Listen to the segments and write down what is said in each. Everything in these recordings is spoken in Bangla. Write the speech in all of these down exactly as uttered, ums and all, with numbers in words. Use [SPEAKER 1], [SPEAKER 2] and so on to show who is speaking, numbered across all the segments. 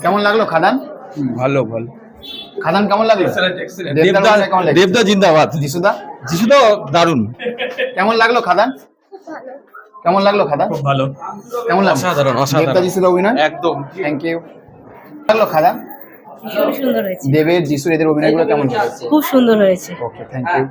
[SPEAKER 1] কেমন লাগলো খাদান?
[SPEAKER 2] ভালো ভালো।
[SPEAKER 1] খাদান কেমন লাগলো?
[SPEAKER 2] দেবদা দেবদা জিন্দাবাদ।
[SPEAKER 1] যিশুদা
[SPEAKER 2] যিশুদা দারুণ।
[SPEAKER 1] কেমন লাগলো খাদান? কেমন লাগলো খাদান?
[SPEAKER 2] খুব ভালো।
[SPEAKER 1] কেমন লাগলো?
[SPEAKER 2] অসাধারণ
[SPEAKER 1] দেবদা
[SPEAKER 2] অসাধারণ।
[SPEAKER 1] যিশুদা অভিনয়
[SPEAKER 2] একদম।
[SPEAKER 1] Thank you. লাগলো খাদান?
[SPEAKER 3] খুব সুন্দর হয়েছে,
[SPEAKER 1] দেবের যিশুর এদের অভিনয়গুলো কেমন লাগছে?
[SPEAKER 3] খুব সুন্দর হয়েছে।
[SPEAKER 1] Okay thank you.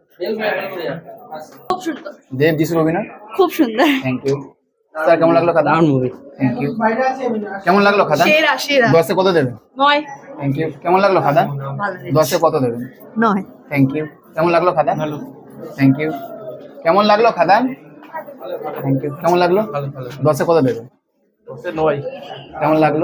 [SPEAKER 3] খুব সুন্দর,
[SPEAKER 1] দেব যিশুর অভিনয়
[SPEAKER 3] খুব সুন্দর।
[SPEAKER 1] Thank you. স্যার কেমন লাগলো খাদান?
[SPEAKER 2] মুভি।
[SPEAKER 1] Thank you. কেমন লাগলো খাদান?
[SPEAKER 3] সেরা সেরা।
[SPEAKER 1] দশে কত দেবেন?
[SPEAKER 3] নয়।
[SPEAKER 1] Thank you. কেমন লাগলো খাদান?
[SPEAKER 3] ভালো হয়েছে।
[SPEAKER 1] দশে কত দেবেন?
[SPEAKER 3] নয়।
[SPEAKER 1] Thank you. কেমন লাগলো খাদান? ভালো। Thank you. কেমন লাগলো খাদান? Thank you. কেমন লাগলো?
[SPEAKER 2] ভালো ভালো।
[SPEAKER 1] দশে কত দেবেন?
[SPEAKER 2] নয়।
[SPEAKER 1] কেমন লাগলো?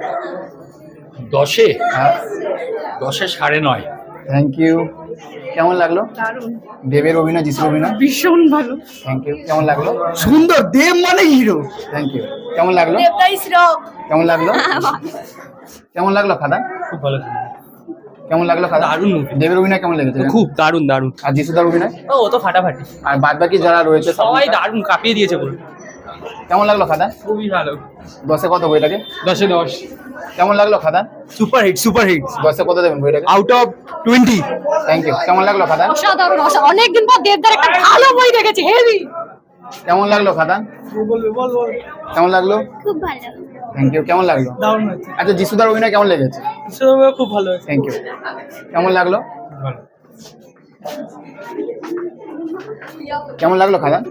[SPEAKER 2] দশে
[SPEAKER 1] হ্যাঁ
[SPEAKER 2] দশে সাড়ে নয়।
[SPEAKER 1] Thank you. কেমন লাগলো?
[SPEAKER 3] দারুণ,
[SPEAKER 1] দেবের অভিনয় যিশুর অভিনয়
[SPEAKER 3] ভীষণ ভালো।
[SPEAKER 1] Thank you. কেমন লাগলো?
[SPEAKER 2] সুন্দর। দেব মানে হিরো।
[SPEAKER 1] Thank you. কেমন লাগলো?
[SPEAKER 3] দেবদাই শ্রম।
[SPEAKER 1] কেমন লাগলো? কেমন লাগলো খাদান?
[SPEAKER 2] খুব ভালো।
[SPEAKER 1] কেমন লাগলো খাদান?
[SPEAKER 2] দারুণ movie।
[SPEAKER 1] দেবের অভিনয় কেমন লেগেছে?
[SPEAKER 2] খুব দারুণ দারুণ।
[SPEAKER 1] আর যিশুদার অভিনয়
[SPEAKER 2] ও ও তো ফাটাফাটি।
[SPEAKER 1] আর বাদ বাকি যারা রয়েছে
[SPEAKER 2] সবাই
[SPEAKER 1] সবাই
[SPEAKER 2] দারুণ কাঁপিয়ে দিয়েছে বলে।
[SPEAKER 1] কেমন লাগলো খাদান?
[SPEAKER 2] খুবই ভালো।
[SPEAKER 1] দশে কত বইটাকে?
[SPEAKER 2] দশে দশ।
[SPEAKER 1] কেমন লাগলো Khadaan?
[SPEAKER 2] Super hit super hit.
[SPEAKER 1] দশে কত দেবেন বইটাকে?
[SPEAKER 2] Out of twenty.
[SPEAKER 1] Thank you. কেমন লাগলো খাদান?
[SPEAKER 3] অসাধারণ, অনেকদিন পর দেবদার একটা ভালো বই দেখেছি, হেভি।
[SPEAKER 1] কেমন লাগলো খাদান? কেমন লাগলো?
[SPEAKER 3] খুব ভালো।
[SPEAKER 1] Thank you. কেমন লাগলো?
[SPEAKER 2] দারুণ হয়েছে।
[SPEAKER 1] আচ্ছা যিশুদার অভিনয় কেমন লেগেছে?
[SPEAKER 2] খুব ভালো হয়েছে।
[SPEAKER 1] Thank you. কেমন লাগলো?
[SPEAKER 2] ভালো।
[SPEAKER 1] কেমন লাগলো খাদান?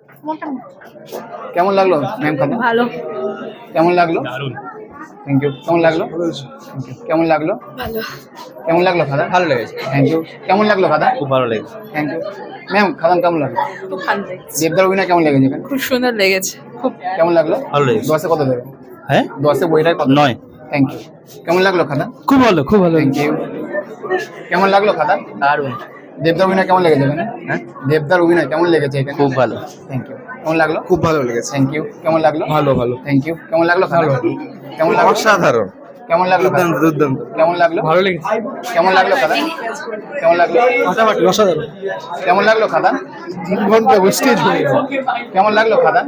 [SPEAKER 1] কেমন লাগলো ম্যাম খাদান?
[SPEAKER 3] ভালো।
[SPEAKER 1] কেমন লাগলো?
[SPEAKER 2] দারুণ।
[SPEAKER 1] Thank you. কেমন লাগলো? Thank you. কেমন লাগলো?
[SPEAKER 3] ভালো।
[SPEAKER 1] কেমন লাগলো খাদান?
[SPEAKER 2] ভালো লেগেছে।
[SPEAKER 1] Thank you. কেমন লাগলো খাদান?
[SPEAKER 2] খুব ভালো লেগেছে।
[SPEAKER 1] Thank you. ম্যাম খাদান কেমন লাগলো?
[SPEAKER 3] খুব ভালো লেগেছে,
[SPEAKER 1] দেবদার অভিনয় কেমন লেগেছে এখানে?
[SPEAKER 3] খুব সুন্দর লেগেছে। খুব
[SPEAKER 1] কেমন লাগলো?
[SPEAKER 2] ভালো লেগেছে।
[SPEAKER 1] দশে কত দেবেন?
[SPEAKER 2] হ্যাঁ
[SPEAKER 1] দশে বইটার কত?
[SPEAKER 2] নয়।
[SPEAKER 1] Thank you. কেমন লাগলো খাদান?
[SPEAKER 2] খুব ভালো খুব ভালো।
[SPEAKER 1] Thank you. কেমন লাগলো খাদান?
[SPEAKER 2] দারুণ।
[SPEAKER 1] দেবদার অভিনয় কেমন লেগেছে এখানে? হ্যাঁ দেবদার অভিনয় কেমন লেগেছে এখানে?
[SPEAKER 2] খুব ভালো।
[SPEAKER 1] Thank you. কেমন লাগলো?
[SPEAKER 2] খুব ভালো লেগেছে।
[SPEAKER 1] Thank you. কেমন লাগলো?
[SPEAKER 2] ভালো ভালো।
[SPEAKER 1] Thank you. কেমন লাগলো খাদান? কেমন লাগলো?
[SPEAKER 2] অসাধারণ।
[SPEAKER 1] কেমন লাগলো খাদান?
[SPEAKER 2] দুর্দান্ত।
[SPEAKER 1] কেমন লাগলো?
[SPEAKER 2] ভালো লেগেছে।
[SPEAKER 1] কেমন লাগলো খাদান? কেমন লাগলো?
[SPEAKER 2] ফাটাফাটি অসাধারণ।
[SPEAKER 1] কেমন লাগলো খাদান?
[SPEAKER 2] তিন ঘন্টা স্টেজ হয়ে গেল।
[SPEAKER 1] কেমন লাগলো খাদান?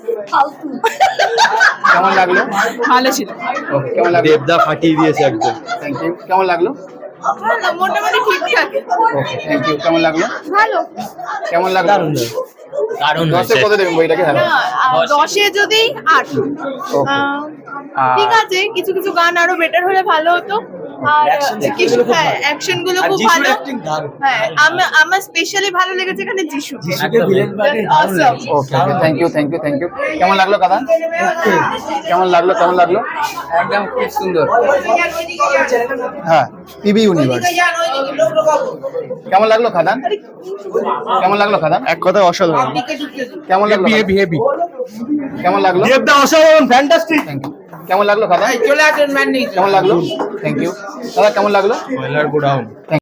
[SPEAKER 1] কেমন লাগলো?
[SPEAKER 3] ভালো ছিল।
[SPEAKER 1] ওকে কেমন লাগলো?
[SPEAKER 2] দেবদা ফাটিয়ে দিয়েছে একদম।
[SPEAKER 1] Thank you. কেমন লাগলো?
[SPEAKER 3] মোটামুটি ঠিকঠাক।
[SPEAKER 1] Okay thank you. কেমন লাগলো?
[SPEAKER 3] ভালো।
[SPEAKER 1] কেমন লাগলো?
[SPEAKER 2] দারুণ
[SPEAKER 1] দশে কত দেবেন বইটাকে? হ্যাঁ
[SPEAKER 4] দশে যদি আট।
[SPEAKER 1] ওকে।
[SPEAKER 4] আহ,
[SPEAKER 1] আর
[SPEAKER 4] ঠিক আছে, কিছু কিছু গান আরো বেটার হলে ভালো হতো। আর কিছু হ্যাঁ অ্যাকশন গুলো খুব ভালো। হ্যাঁ আমার আমার স্পেশালি ভালো লেগেছে এখানে Jisshu. Awesome.
[SPEAKER 1] Okay thank you thank you thank you. কেমন লাগলো কাদা? কেমন লাগলো কেমন লাগলো?
[SPEAKER 2] একদম খুব সুন্দর।
[SPEAKER 1] হ্যাঁ পিবি ইউনিভার্স। কেমন লাগলো খাদান? কেমন লাগলো খাদান?
[SPEAKER 2] এক কথা অসাধারণ।
[SPEAKER 1] কেমন লাগলো?
[SPEAKER 2] Heavy heavy.
[SPEAKER 1] কেমন লাগলো?
[SPEAKER 2] দেবদা অসাধারণ ফ্যান্টাস্টিক।
[SPEAKER 1] Thank you. কেমন লাগলো খাদান?
[SPEAKER 4] চলে আসেন ম্যান।
[SPEAKER 1] কেমন লাগলো? Thank you. দাদা কেমন লাগলো?
[SPEAKER 2] Spoiler go down.